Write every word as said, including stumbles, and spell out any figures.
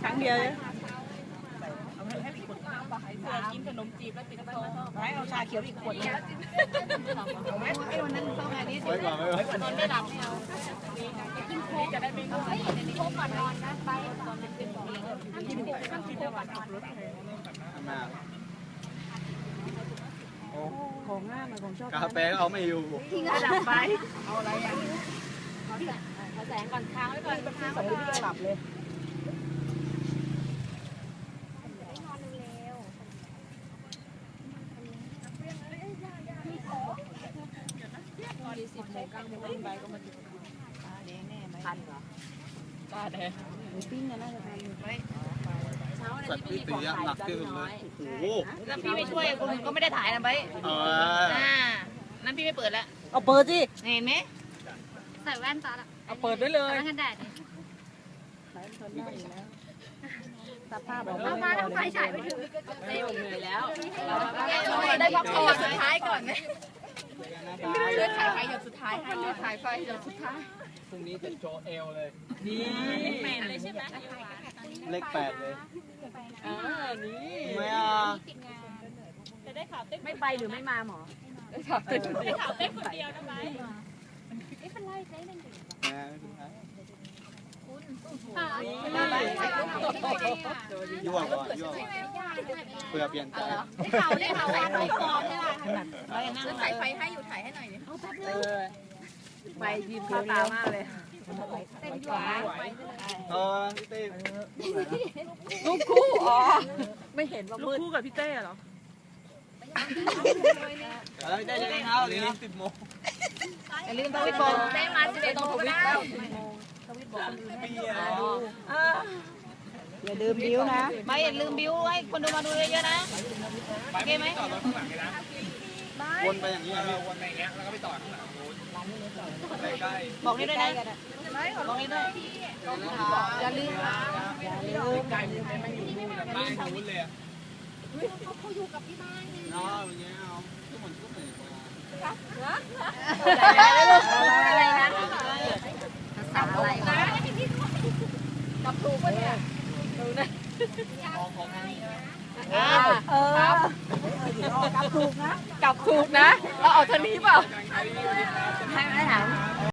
ครั้งเดียวเลยกินขนมจีบแล้วติดกระโปรงให้เอาชาเขียวอีกขวดนึงเอาไหมไอ้วันนั้นต้องอันนี้ไว้ก่อนไว้ก่อนนอนไม่หลับไม่เอากินโค้กจะได้ไม่ง่วงโค้กก่อนนอนนะไปตอนเป็นของเองกินโค้กกินโค้กก่อนนอนมาโอ้ของง่ายมาของชอบกาแฟก็เอาไม่อยู่ทิ้งดับไปเอาอะไรอ่ะขอแสงก่อนค้างไว้ก่อนเป็นที่สองที่หลับเลยสิบโมงเก้าโมงขึ้นไปก็มาถึงตาแดงแน่ไหมทันเหรอตาแดงหมูปิ้งน่าจะทันไหมเช้าอะไรสัตว์ที่ที่ไม่มีขตีองหนักขายที่จะสุดเลน้อย ยโอ้โหแล้วพี่ไม่ช่วยคุณก็ไม่ได้ถ่ายนะใบเอออ่านั้นพี่ไม่เปิดแล้วเอาเปิดสิเห็นไหมใส่แว่นตาละเอาเปิดไว้เลยแว่นกันแดดดิไหนทนได้อยู่แล้วตัดผ้าบอกเอามาทั้งไฟฉายไปถึงไม่เหนื่อยแล้วได้พักผ่อนสุดท้ายก่อนไหมเลือดถ่ายไฟหยดสุดท้ายให้เลือดถ่ายไฟหยดสุดท้ายพรุ่งนี้จะโชว์เอลเลยนี่แมนเลยใช่ไหมเลขแปดเลยอ่านี่ไม่อ่ะไม่ไปหรือไม่มาหมอแม่ไม่ถึงท้ายค่ะยั่วก่อนยั่วก่อนเพื่อเปลี่ยนใจได้ข่าวได้ข่าวว่าน้องปอนใช่ไหมถ่ายไฟให้อยู่ถ่ายให้หน่อยดิไปยืมข้าวตามากเลยเต็มตัวเออพี่เต้ลูกคู่อ๋อไม่เห็นว่ามืดคู่กับพี่เต้เหรอเฮ้ยได้เลยครับนี่สิบโมงอย่าลืมทวิตบอกได้มาสิบเอ็ดโมงก็ได้อย่าลืมบิ้วนะไม่อย่าลืมบิวให้คนดูมาดูเยอะๆนะโอเคไหมวนไปอย่างนี้พี่วนไปอย่างเงี้ยแล้วก็ไปต่อข้างหลังใกล้บอกนี่ด้วยนะบอกนี่ด้วยอย่าลืมอย่าลืมๆใกล้ไม่อยู่นู่นบ้านนู้นเลยอ่ะเขาอยู่กับที่บ้านไงเนาะอย่างเงี้ยเอาทุกคนทุกคนอะไรนะสับอะไรนะกับถูกปะเนี่ยเออกับถูกนะกับถูกนะเราเอาทางนี้เปล่าให้ไม่ถาม